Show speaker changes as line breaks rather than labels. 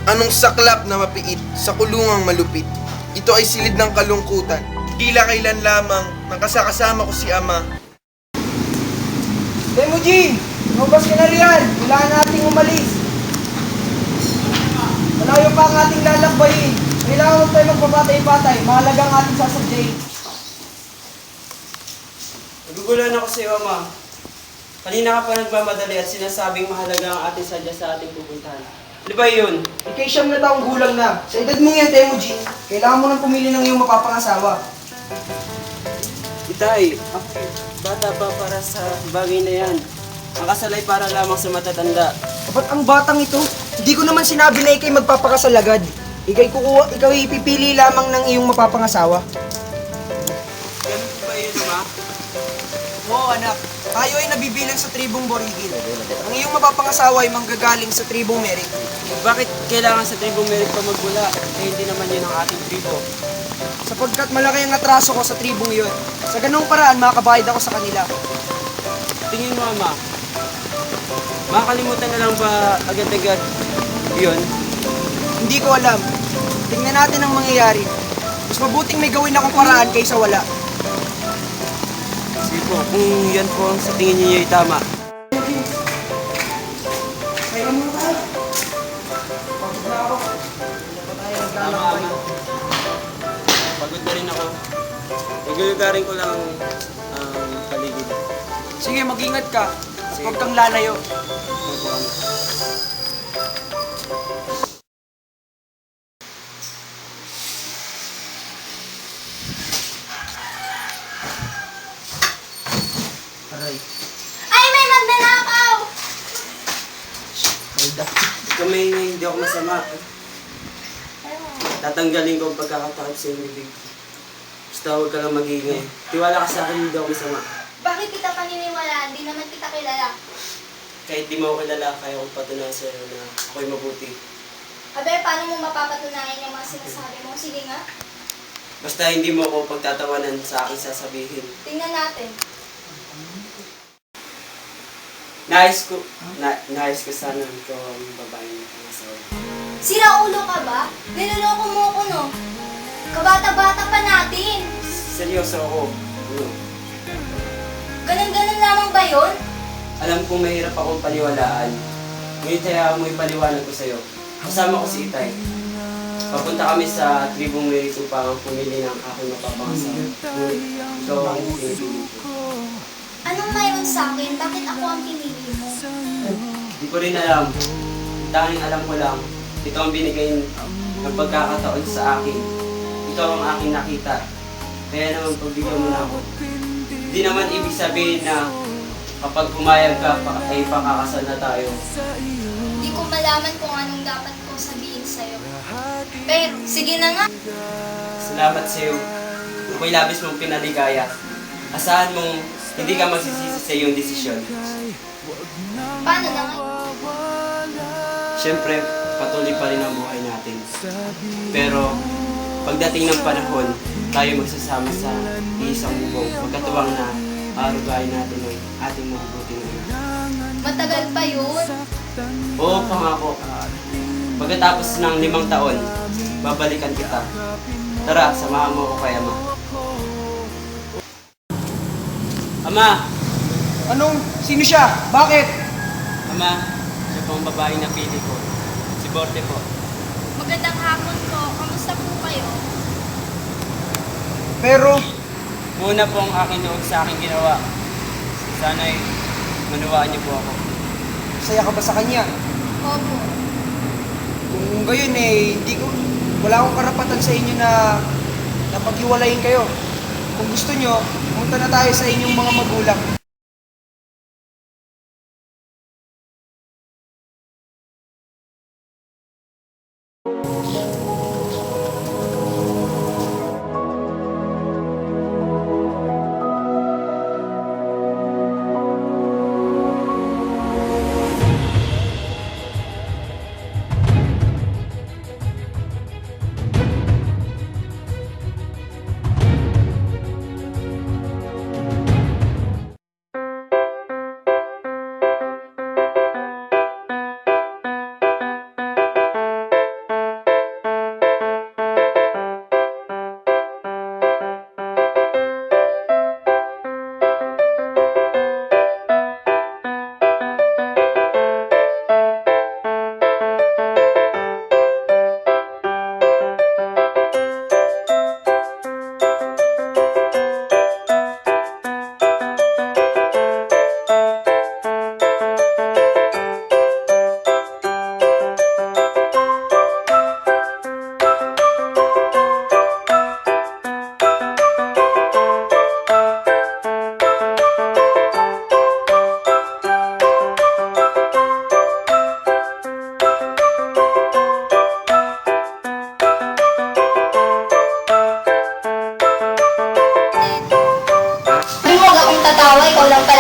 Anong saklap na mapiit sa kulungang malupit? Ito ay silid ng kalungkutan. Tila kailan lamang nang kasakasama ko si Ama.
Temujin! Lumabas ka na riyan! Kailangan nating umalis! Malayo pa ang ating lalakbayin. Kailangan mo tayo magpapatay-patay. Mahalaga ang ating sasadyain.
Nagugulan ako sa iyo, Ama. Kanina ka pa nagmamadali at sinasabing mahalaga ang ating sadya sa ating pupuntahan. Ano ba yun?
Ikay siyam na taong gulang na. Sa edad mong yan, Temujin, kailangan mo nang pumili ng iyong mapapangasawa.
Itay, ako bata pa para sa bagay na yan. Ang kasal ay para lamang sa matatanda.
Ba't ang batang ito? Hindi ko naman sinabi na ikay magpapakasal agad. Ikaw ipipili lamang ng iyong mapapangasawa.
Ganun ba yun, Ma?
Oo, anak. Tayo ay nabibilang sa tribong Borigil. Ang iyong mapapangasawa ay manggagaling sa tribong Merik.
Bakit kailangan sa tribong Merik pa magmula? Eh, hindi naman yun ang ating tribo.
Sapagkat malaki ang atraso ko sa tribong iyon. Sa ganung paraan, makakabayad ako sa kanila.
Tingin mo, Ama, makakalimutan na lang ba agad-agad yun?
Hindi ko alam. Tingnan natin ang mangyayari. Mas mabuting may gawin akong paraan kaysa wala.
Sige po, kung yan po ang sa tingin niyo ay tama.
Kaya mo tayo. Pagod na ako. Hindi pa tayo naglalakbay.
Pagod na rin ako. Nagulugarin ko lang ang paligid.
Sige, mag-ingat ka. At
Sige.
huwag kang lalayo.
Opo, Ama. Aray,
Ay, may magnanakaw!
Alda. Kamay na hindi ako masama. Tatanggalin ko ang pagkakatakot sa iyong bibig. Basta huwag ka lang mag-iingay. Tiwala ka sa akin, hindi ako masama.
Bakit kita paniniwalaan? Di naman kita kilala.
Kahit di mo ako kilala, kaya kong patunayan sa iyo na ako'y mabuti.
Abe, paano mo mapapatunayan yung mga sinasabi mo? Sige nga,
Basta hindi mo ako pagtatawanan sa aking sasabihin.
tingnan natin.
Nais ko sana ito ang babae ng pangasawa.
Sira ulo ka ba? Niloloko mo ko, no? Kabata-bata pa natin.
Seryoso ako. Ano?
Ganun-ganun lamang ba yun?
Alam kong mahirap akong paniwalaan. Ngunit hayaan mo ipaliwanag ko sa'yo. Kasama ko si Itay. Papunta kami sa tribong Merik upang pumili ng aking mapapangasawa. Ngunit ikaw ang pinipili ko.
Anong mayroon sa akin? Bakit ako ang pinili mo?
Di ko rin alam. Tanging alam ko lang, ito ang binigay ng pagkakataon sa akin. Ikaw ang aking nakita. Kaya naman pagbigyan mo na ako. Hindi naman ibig sabihin na kapag pumayag ka, ay pakakasal na tayo.
Hindi ko malaman kung anong dapat kong sabihin sa'yo. Pero, sige na nga.
Salamat sa iyo. Ako'y labis mong pinaligaya. Asahan mong hindi ka magsisisi sa iyong desisyon.
Paano na nga?
Siyempre, patuloy pa rin ang buhay natin. Pero, pagdating ng panahon, tayo magsasama sa isang bubong. Pagkatuwang na arugain natin ang ating mabubuting ina.
Matagal pa yun.
Oo, pangako. Pagkatapos ng 5 taon, babalikan kita. Tara, samahan mo ako kay Ama. Ama!
Anong? Sino siya? Bakit?
Ama, siya po ang babae na pili ko. Si Borte po.
Magandang hapon po. Kamusta po kayo?
Pero,
Muna po ang aking loob sa aking ginawa. Sana'y manuwaan niyo po ako.
saya ka ba sa kanya?
Opo.
Kung gayon wala akong karapatan sa inyo na paghiwalayin kayo. Kung gusto nyo, pumunta na tayo sa inyong mga magulang.
lang pala